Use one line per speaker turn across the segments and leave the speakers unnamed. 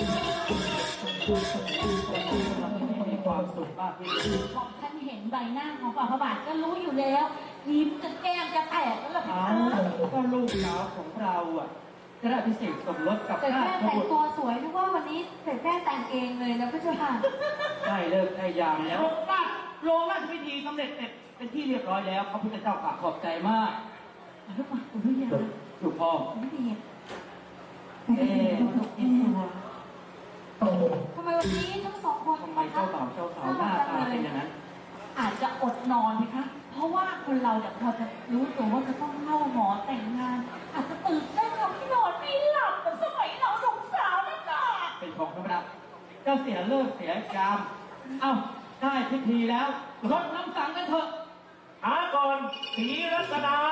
มีความสุขมากที่สุด
บอกท่านเห็นใบหน้าของฝ่าพระบาทก็รู้อยู่แล้วยิ้มจนแก้มจะแตกแล้วล่ะค่ะ
ก็ลูกสาวของเราอ่ะจะได้พิเศษสมรสกับ
แต่
ข้า
แม่แต่งตัวสวยนึกว่าวันนี้เสร็จแม่แต่งเองเลยนะพี่เจ้าค่ะ
ได้เลิกได้ยามแล้วโรงราชพิธีสำเร็จเสร็จเป็นที่เรียบร้อยแล้วพระพุทธเจ้าขอบใจมาก
ลูกมาคุณพี่ยา
ลูกพ่อ
ไม่ดีทำไมวันนี้ทั้งสองคน
ทำไมเจ้าบ่าวเจ้าสาวหน้าตาเป็นอย่างนั้น
อาจจะอดนอนไหมคะเพราะว่าคนเราเนี่ยพอจะรู้ตัวว่าจะต้องเข้าหมอแต่งงานอาจจะตื่นเต้นกับที่นอนไม่หลับเหมือนสมัยเราหนุ่มสาวนั่นแหละ
เป็นของธรรมดาเจ้าเสียเลิกเสียยามเอ้าได้พิธีแล้วรดน้ำสังกันเถอะ
ก่อนศรีรัตนา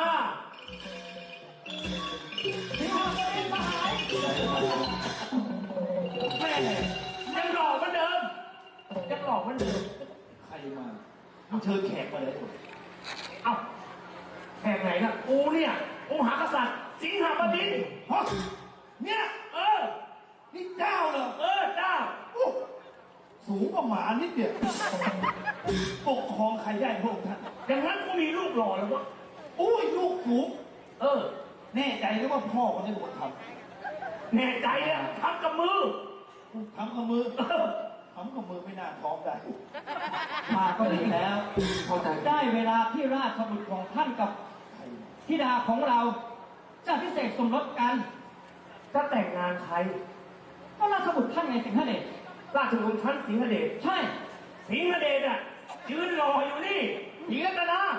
แม่ยังหล่อเหมือนเดิมยังหล่อเหมือนเดิมใครมาเชิญแขกมาเลยเอ้าแขกไหนล่ะกูเนี่ยองค์หากษัตริย์สิงหบดินฮะเนี่ยนี่เจ้าเหรอเจ้าสูงกว่าหมานิดเดียวปกครองใครได้พวกท่านอย่างนั้นกูมีลูกหล่อแล้ววะอุ้ยลูกสูงแน่ใจหรือว่าพ่อคนนี้เป็นคนทำแน่ใจเนี่ยทำกับมือทำกับมือไม่น่าท้องได้
มาก็ดีแล้วได้เวลาที่ราชบุตรของท่านกับธิดาของเราจะพิเศษสมรสกัน
จะแต่งงานใคร
ก็ราชบุตรท่านไงสิงหเดช
ราชบุตรท่านสิงหเดช
ใช่
สิงหเดชยืนรออยู่นี่ศรีรัตนา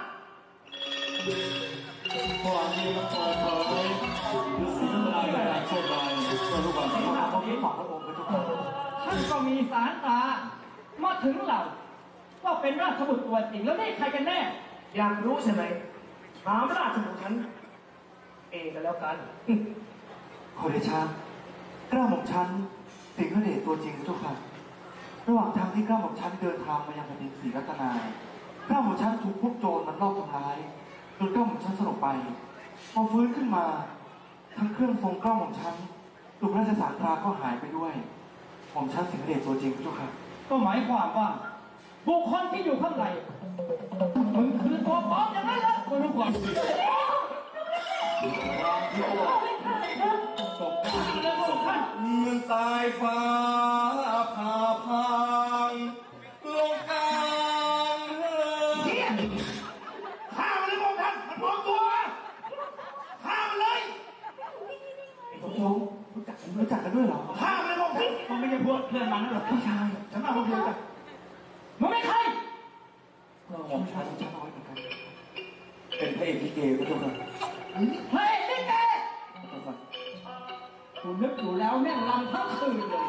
ความดีมันเปิดเผยคือสิ่งใดในการโชคดีเมื่อรู้ว่าที่มาของที่ของพระองค์พระเจ้าค่ะ
ท่านก็มีสารตามาถึงเราก็เป็นราชบุตรตัวจริงแล้วนี่ใครกันแน่
อยากรู้ใช่ไหมถามราชบุตรฉันเองกันแล้วกัน
ขอเดชะกล้าหม่อมฉันสิงหเดชตัวจริงพระเจ้าค่ะระหว่างทางที่กล้าหม่อมฉันเดินทางมายังแผ่นดินศรีรัตนากล้าหม่อมฉันถูกพวกโจรมันลอบทำร้ายจนกล้าหม่อมฉันสลบไปพอฟื้นขึ้นมาทั้งเครื่องทรงกล้าหม่อมฉันลูกราชสารตราก็หายไปด้วยหม่อมฉันสิงหเดชตัวจริงพระเจ้าค่ะ
ก็หมายความว่าบุคคลที่อยู่ข้างในมึงคือตัวปลอมอย่างนั้นเหรอไม่รู้ความจริงตกท่าน
เมืองสายฟ้าผ่าพังลงกลาง
ข้ามเลยพวกท่านมันพร้อมตัวข้ามเลย
ไอ้พวกเรารู้จักกันด้วยเหรอ
ข้ามเลยพวกท่าน
มันไม่ใช่พวกเพื่อนมันนั่นหรอก
พี่ชาย
ฉันมาคนเดียวกัน
มันไม่ใคร
ผมชายชาน้อยเหมือนกันเป็นพระเอกลิเกพระเจ้าค่ะ
เฮ้ยลิเกกูนึกอยู่แล้วแม่งรำทั้งคืนเลย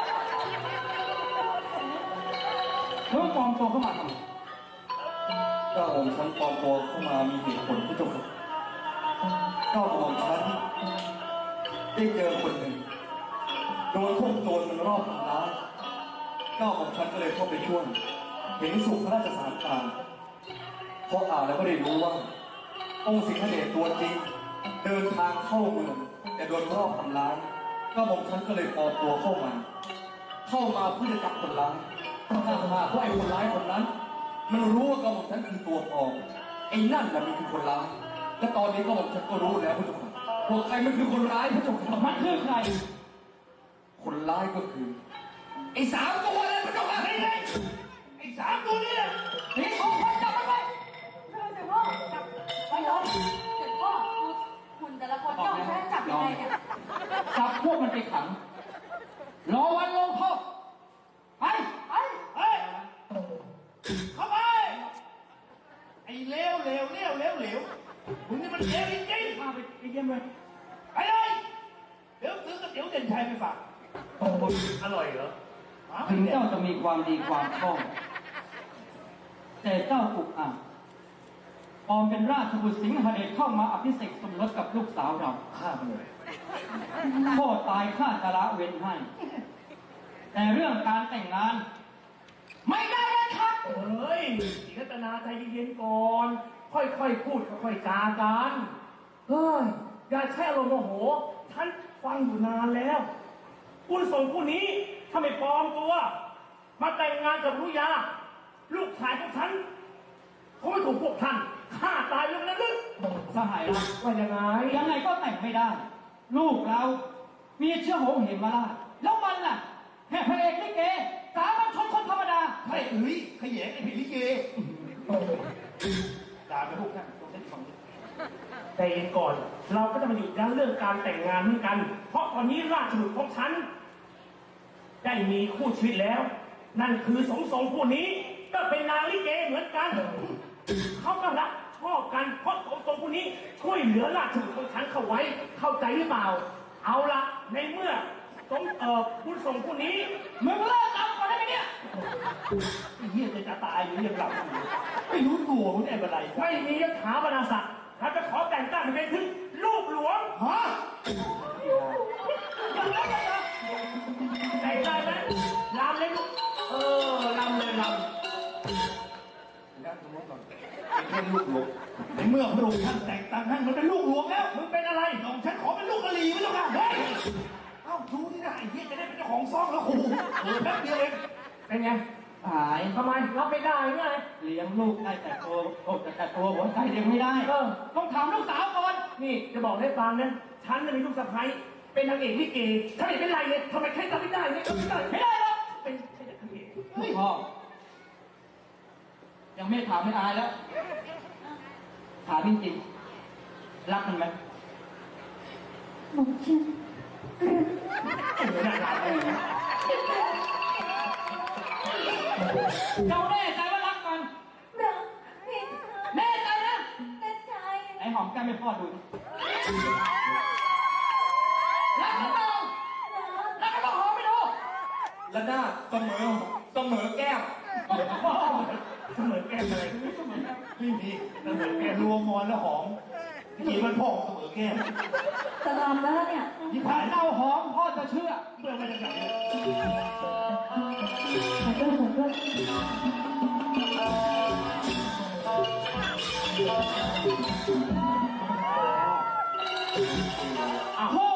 เมื่อปลอมตัวเข้ามาทำไม
เจ้าของฉันปลอมตัวเข้ามามีเหตุผลพระเจ้าค่ะเจ้าของฉันได้เจอคนหนึ่งโดนพวกโจรมันรอบทำร้ายเจ้าของฉันก็เลยเข้าไปช่วยเห็นสุขพระราชสารตาพออ่านแล้วก็ได้รู้ว่าองค์สิงหเดชตัวจริงเดินทางเข้าเมืองแต่โดนรอบทำร้ายก็บอกฉันก็เลยปลอมตัวเข้ามาเพื่อจะจับคนร้ายถ้าหากว่าไอ้คนร้ายคนนั้นมันรู้ว่ากระหม่อมฉันคือตัวปลอมไอ้นั่นแหละมันคือคนร้ายและตอนนี้กระหม่อมฉันก็รู้แล้วพระเจ้าค่ะว่าใครมันคือคนร้ายพระเจ้าค่ะ
มันคือใคร
คนร้ายก็คือไอ้3 ตัวเลยพระเจ้าค่ะ
ไอ้3 ตัวนี่แหละ
นี่ของคนจับมันไป
เสด็จพ่อจับไปเลยเสด็จพ่อคุณแต่ละคนย่อมใช้จับยังไงเนี่ย
จับพวกมันไปขังรอวันลงโทษไป
เข้าไปไอ้เลวมึงนี่มันเลวจริงๆ
มาไปเยี่ยมเลย
ไปเลยเดี๋ยวซื้อก๋วยเตี๋ยวเด่นชัยไปฝากอร่อยเหรอ
ถึงเจ้าจะมีความดีความชอบแต่เจ้าอุกอาจปลอมเป็นราชบุตรสิงหเดชเข้ามาอภิเษกสมรสกับลูกสาวเรา
ฆ่ามันเลย
โทษตายข้าจะละเว้นให้แต่เรื่องการแต่งงานไม่ได้นะครับ
เฮ้ยศรีรัตนาใจเย็นๆก่อนค่อยๆพูดค่อยๆจากันเฮ้ยอย่าใช้อารมณ์โมโหฉันฟังอยู่นานแล้วคุณส่งผู้นี้ถ้าไม่ปลอมตัว มาแต่งงานกับรุยา ลูกชายของฉันเขาไม่ถูกพวกท่านฆ่าตายแล้วนะลึก
สหายรัก
ว่ายังไง
ยังไงก็แต่งไม่ได้ ลูกเรามีเชื้อโหงเหมราชแล้วมันล่ะแค่พระเอกลิเกสามัญชนคนธรรมดา
ใช่ขยงไอ้ผีลิเกด่าไปพวกท่านตรงเส้นฝั่งนี้แต่เองก่อน เราก็จะมาหยุดยั้งเรื่องการแต่งงานเหมือนกัน เพราะตอนนี้ราชบุตรของฉัน ได้มีคู่ชีวิตแล้ว นั่นคือสมทรงผู้นี้ก็เป็นนางลิเกเหมือนกัน เขาก็รักชอบกันเพราะสมทรงผู้นี้ช่วยเหลือราชบุตรของฉันเข้าไว้เข้าใจหรือเปล่า เอาละในเมื่อคุณส่งผู้นี้
มึงเลิกทำก่อนได้ไหมเนี่ย
ไอ้เหี้ยจะตายอยู่ยังหลับอยู่ไม่รู้ตัวมึงได้อะไรไม่มียศถาบรรดาศักดิ์เราจะขอแต่งตั้งให้เป็นถึงลูกหลวงฮะแต่งได้ไหมรำเลยลูกรำเลยรำนั่งตรงนู้นก่อนเป็นลูกหลวงในเมื่อพระองค์ท่านแต่งตั้งท่านมันเป็นลูกหลวงแล้วมึงเป็นอะไรน้องฉันขอเป็นลูกกะหรี่ไม่ต้องการเฮ้ยเอ้าดูนี่นะไอ้เหี้ยจะได้เป็นเจ้าของซ่องแล้วโอ้โหแป๊บเดียวเองเป็นไง
หาย
ทำไมรับไม่ได้ไง
เลี้ยงลูกได้แต่ตัวแต่ตัวหัวใจเลี้ยงไม่ได้ ต้องถามลูกสาวก่อน
นี่จะบอกให้ฟังนะฉันน่ะมีลูกสะใภ้เป็นนางเอกลิเกฉันไม่เป็นไรเลยทำไมแค่จำไม่ได้เนี่ยไม่ได้หรอกเป็นแค่นางเอก
พ่อ ยังไม่ถามไม่อายแล้ว ถามจริงๆรักมันไหม
หนูชื่อ
น่ารักเลยนะ
เจ้าแน่ใจว่ารักมัน
รักพี่
แน่ใจนะ
แน่ใจ
ไอ้หอมแก้มให้พ่อดูดิรักมันเปล่ารักมันเปล่าหอมไม่ดู
และหน้าเสมอแก้ม
เสมอแก้มอะไรไม่มีเสมอแก้มรวมมอนแล้วหอมกี่มันพ่อเสมอแก้ม
จะรำแล้วเนี่ย
ที่ผ่านเล่าหอมพ่อจะเชื่อ
เมื่อมาจากไหน
ขอโทษขอโทษ
อ้าว
พ่อ